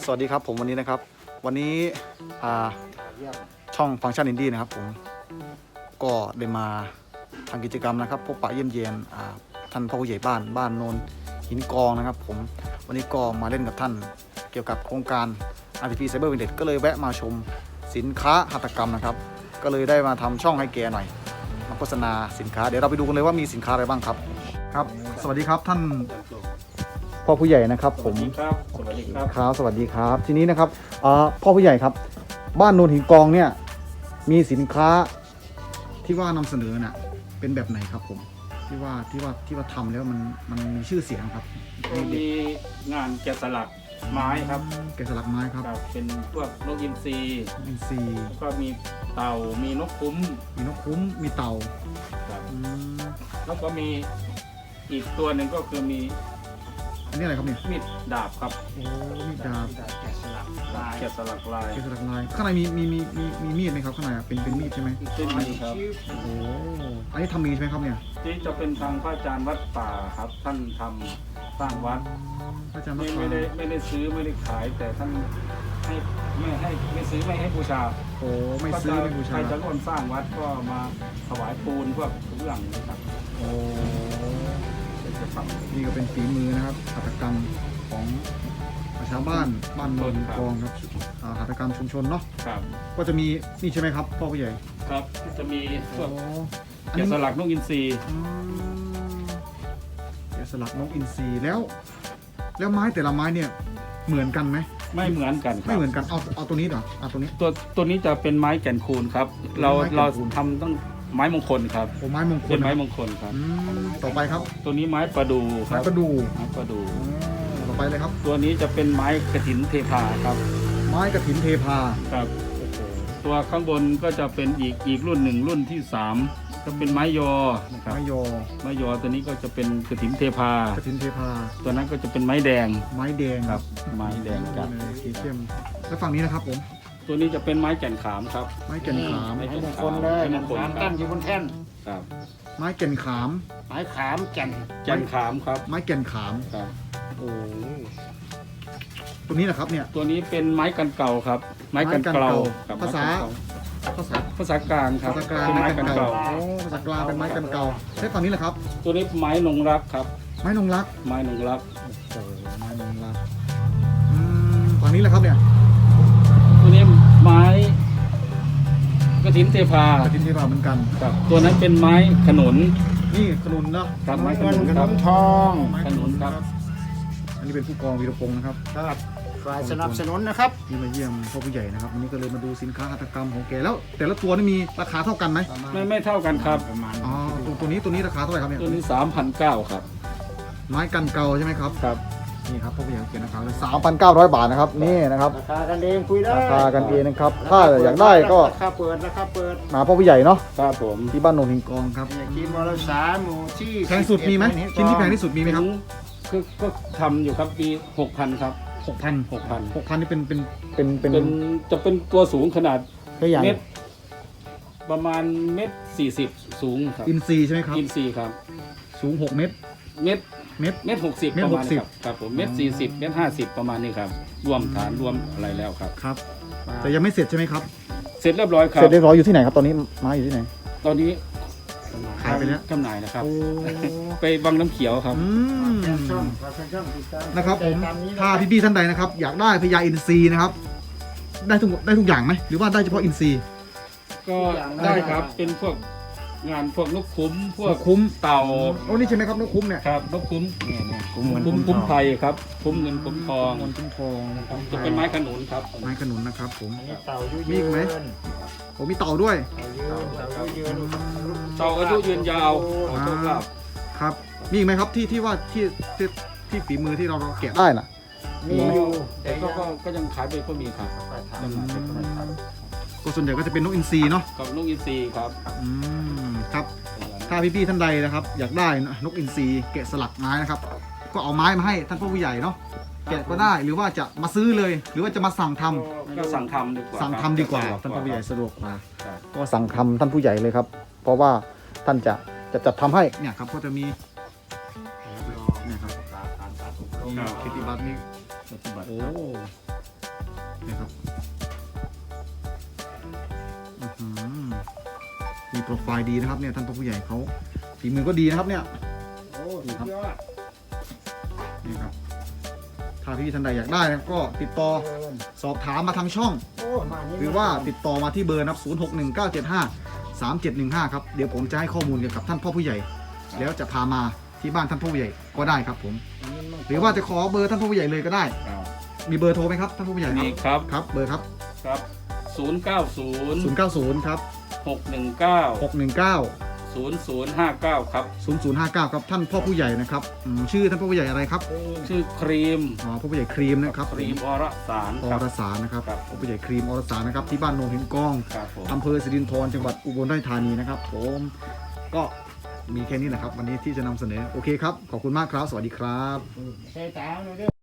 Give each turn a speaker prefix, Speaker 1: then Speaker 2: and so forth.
Speaker 1: สวัสดีครับผมวันนี้นะครับวันนี้ช่องฟังก์ชันอินดี้นะครับผมก็ได้มาทำกิจกรรมนะครับพบปะเยี่ยมเยียนท่านพ่อผู้ใหญ่บ้านโนนหินกองนะครับผมวันนี้ก็มาเล่นกับท่านเกี่ยวกับโครงการ RTP Cyber Village ก็เลยแวะมาชมสินค้าหัตถกรรมนะครับก็เลยได้มาทำช่องให้แกหน่อยมาโฆษณาสินค้าเดี๋ยวเราไปดูกันเลยว่ามีสินค้าอะไรบ้างครับครับสวัสดีครับท่านพ่อผู้ใหญ่นะครับผม
Speaker 2: ครับสวัสดีครับ
Speaker 1: ครับสวัสดีครับทีนี้นะครับพ่อผู้ใหญ่ครับบ้านโนนหินกองเนี่ยมีสินค้าที่ว่านำเสนอน่ะเป็นแบบไหนครับผมที่ว่าทำแล้วมันมีชื่อเสียงครับ
Speaker 2: ก็มีงานแกะสลักไม้ครับ
Speaker 1: แกะสลักไม้ครับ
Speaker 2: เป็นพวกนกอินทรีก็มีเต่ามีนกคุ้ม
Speaker 1: มีเต่า
Speaker 2: ครับแล้วก็มีอีกตัวหนึ่งก็คือมี
Speaker 1: อันนี้อะไรครับเนี่ย
Speaker 2: มีดดาบครับ
Speaker 1: โอ้มีดดาบ
Speaker 2: แกะสลักลาย
Speaker 1: ข้างในมีมีดไหมครับข้างในเป็นมีดใช่ไหม
Speaker 2: เป็นมีดครับ
Speaker 1: โอ้อันนี้ทำมีใช่ไหมครับเนี่ย
Speaker 2: ที่จะเป็นทางพระอาจารย์วัดป่าครับท่านทำสร้างวัด
Speaker 1: พระอาจารย์วัด
Speaker 2: ป่าไม่ได้ซื้อไม่ได้ขายแต่ท่านไม่ซื้อไม่ให้บูชา
Speaker 1: โอ้ไม่ซื้อไม่บูชา
Speaker 2: ใครจะร่วมสร้างวัดก็มาถวายปูนพวกทุกอย่างนะครับ
Speaker 1: โอ้นี่ก็เป็นฝีมือนะครับหัตถกรรมของชาวบ้านโนนกองครับหัตถกรรมชุมชนเนาะ
Speaker 2: ครับ
Speaker 1: ก็จะมีนี่ใช่ไหมครับพ่อผู้ใหญ่
Speaker 2: ครับจะมีพวกแกะสลักนกอินทรี
Speaker 1: แกะสลักนกอินทรีแล้วไม้แต่ละไม้เนี่ยเหมือนกันไหม
Speaker 2: ไม่เหมือนกัน
Speaker 1: ไม่เหมือนกันเอาตัวนี้เหรอเอาตัวนี้
Speaker 2: ตัวนี้จะเป็นไม้แก่นคูนครับเราทำต้องไม้มงคลครับ
Speaker 1: โอ้ไม้มงคล
Speaker 2: เป็นไม้มงคลครับ
Speaker 1: ต่อไปครับ
Speaker 2: ตัวนี้ไม้ประดูครับ
Speaker 1: ไม้ประดูต่อไปเลยครับ
Speaker 2: ตัวนี้จะเป็นไม้กฐินเทพาครับ
Speaker 1: ไม้กฐินเทพา
Speaker 2: ครับตัวข้างบนก็จะเป็นอีกรุ่นหนึ่งรุ่นที่3ก็เป็นไม้ยอนะครับไม้ยอตัวนี้ก็จะเป็นกฐินเทพาตัวนั้นก็จะเป็นไม้แดง
Speaker 1: ครับ
Speaker 2: ไม้แดงครับ
Speaker 1: สีเข้มแล้วฝั่งนี้นะครับผม
Speaker 2: ตัวนี้จะเป็นไม้แก่นขามครับ
Speaker 1: ไม้แก่นขาม
Speaker 2: ไม้มงคลเลย
Speaker 3: ตั้งอยู่บนแท่น
Speaker 2: ครับ
Speaker 1: ไม้แก่นขาม
Speaker 3: ไม้ขามแก่
Speaker 2: นขามครับ
Speaker 1: ไม้แก่นขาม
Speaker 2: ครับ
Speaker 1: โอ้ตัวนี้นะครับเนี่ย
Speaker 2: ตัวนี้เป็นไม้กันเก่าครับไม้กันเก่า
Speaker 1: ภาษ
Speaker 2: ากลางครับ
Speaker 1: เป็นไม้กันเก่าโอ้ภาษากลางเป็นไม้กันเก่าใช่ฝั่งนี้แหละครับ
Speaker 2: ตัวนี้ไม้นงรักครับ
Speaker 1: ไม้นงรัก
Speaker 2: โอ้
Speaker 1: ไม้นงรักฝั่งนี้แหละครับเนี่ย
Speaker 2: ตัวนี้ไม้กฐินเทพา
Speaker 1: เหมือนกัน
Speaker 2: ครับตัวนั้นเป็นไม้ขนุน
Speaker 1: นี่ขนุนเนาะ
Speaker 2: ครับไม้ขนุนครับ
Speaker 3: ทอง
Speaker 2: ขนุนครับ
Speaker 1: อันนี้เป็นผู้กองวีรพงศ์นะครับ
Speaker 3: ฝ่ายสนับสนุนนะครับ
Speaker 1: ที่มาเยี่ยมพ่อผู้ใหญ่นะครับวันนี้ก็เลยมาดูสินค้าหัตถกรรมของแกแล้วแต่ละตัวนี่มีราคาเท่ากันไหม
Speaker 2: ไม่เท่ากันครับ
Speaker 1: อ๋อตัวนี้ราคาเท่าไหร่ครับเนี่ย
Speaker 2: ตัวนี้ 3,900 ครับ
Speaker 1: ไม้กันเก่าใช่ไหมครับ
Speaker 2: ครับ
Speaker 1: นี่ครับพ่อผู้ใหญ่เขียนนะครับ3,900 บาทนะครับนี่นะครับ
Speaker 3: ราคากันเองคุยได้
Speaker 1: ราคากันเองนะครับถ้าอยากได้ก็
Speaker 3: ราคาเปิด
Speaker 1: มาพ่อผู้ใหญ่เนาะ
Speaker 2: ครับผม
Speaker 1: ที่บ้านโนนหินกองครับ
Speaker 3: ที่มรสาหมู่ที่
Speaker 1: แพงสุดมีไหมชิ้นที่แพงที่สุดมีไหมครับ
Speaker 2: ก็ทำอยู่ครับปี 6,000 ครับ
Speaker 1: 6,000นี่เป็น
Speaker 2: จะเป็นตัวสูงขนาด
Speaker 1: เมตร
Speaker 2: ประมาณ1.40 สูงครับ
Speaker 1: อินซีใช่ไหมครับ
Speaker 2: อินซีครับ
Speaker 1: สูง6 เมตร
Speaker 2: 60ประมาณครับผม1.40 1.50ประมาณนี้ครับรวมฐานรวมอะไรแล้วครับ
Speaker 1: ครับแต่ยังไม่เสร็จใช่ไหมครับ
Speaker 2: เสร็จเรียบร้อยครับ
Speaker 1: เสร็จเรียบร้อยอยู่ที่ไหนครับตอนนี้ไม้อยู่ที่ไหน
Speaker 2: ตอนนี้
Speaker 1: ขายไปแล้ว
Speaker 2: จำหน่ายนะครับไปวังน้ำเขียวครับ
Speaker 1: นะครับผมถ้าพี่ๆท่านใดนะครับอยากได้พญาอินทรีนะครับได้ทุกอย่างไหมหรือว่าได้เฉพาะอินทรี
Speaker 2: ก็ได้ครับเป็นพวกงานพวกนกคุ้มพวกเต่า
Speaker 1: โอ้นี่ใช่ไหมครับนกคุ้มเนี่ย
Speaker 2: ครับนกคุ้มคุ้มไทยครับคุ้มเงินคุ้มทองนะครับจะเป็นไม้ขนุนครับ
Speaker 1: ไม้ขนุนนะครับผม
Speaker 3: เต่ามี
Speaker 1: อีกไหมโอ้มีเต่าด้วย
Speaker 2: เต่าอายุยืนยาว
Speaker 1: ครับมีอีกไหมครับที่ว่าที่ฝีมือที่เราแกะได้น่ะ
Speaker 3: มีอยู่
Speaker 2: แต่ก็ยังขายไปก็มีครับ
Speaker 1: ก็ส่วนใหญ่ก็จะเป็นนกอินทรีเนาะ
Speaker 2: กับนกอินทรีครับ
Speaker 1: ครับถ้าพี่ๆท่านใดนะครับอยากได้นกอินทรีแกะสลักไม้นะครับก็เอาไม้มาให้ท่านพ่อผู้ใหญ่เนาะแกะก็ได้หรือว่าจะมาซื้อเลยหรือว่าจะมาสั่งทำ
Speaker 2: ก็สั่งทำ
Speaker 1: ดีกว่าท่านพ่อผู้ใหญ่สะดวกกว่าก็สั่งทำท่านผู้ใหญ่เลยครับเพราะว่าท่านจะจัดทำให้เนี่ยครับก็จะมีเนี่ยครับคิติบัตรนี่โอ้นี่ครับอื้อหือมีโปรไฟล์ดีนะครับเนี่ยท่านพ่อผู้ใหญ่เขาฝีมือก็ดีนะครับเนี่ย
Speaker 3: โอ้สุดยอด
Speaker 1: นี่ครับถ้าพี่ท่านใดอยากได้นะครับก็ติดต่อสอบถามมาทางช่อง
Speaker 3: โอ้มานี่
Speaker 1: หรือว่าติดต่อมาที่เบอร์นะครับ0619753715ครับเดี๋ยวผมจะให้ข้อมูลเกี่ยวกับท่านพ่อผู้ใหญ่ แล้วจะพามาที่บ้านท่านพ่อผู้ใหญ่ก็ได้ครับผมหรือว่าจะขอเบอร์ท่านพ่อผู้ใหญ่เลยก็ได้
Speaker 2: ครับ
Speaker 1: มีเบอร์โทรไหมครับท่านพ่อผู้ใหญ่
Speaker 2: นี่ครับ
Speaker 1: ครับเบอร์ครับ
Speaker 2: ครับ090
Speaker 1: 090ครับ
Speaker 2: 619
Speaker 1: 619
Speaker 2: 0059ครับ
Speaker 1: 0059ครับท่านพ่อผู้ใหญ่นะครับชื่อท่านพ่อผู้ใหญ่อะไรครับ
Speaker 2: ชื่อครีม
Speaker 1: อ๋อพ่อผู้ใหญ่ครีมนะครับ
Speaker 2: ครีมอรสาร
Speaker 1: อ
Speaker 2: ครับ
Speaker 1: รสารนะครับ
Speaker 2: ครับ
Speaker 1: พ่อผู้ใหญ่ครีมอรสารนะครับที่บ้านโนนหินกอง
Speaker 2: ครับผม
Speaker 1: อำเภอสิรินธรจังหวัดอุบลราชธานีนะครับผมก็มีแค่นี้แหละครับวันนี้ที่จะนำเสนอโอเคครับขอบคุณมากครับสวัสดีครับ
Speaker 3: ใส่ตาหน่อยเด้อ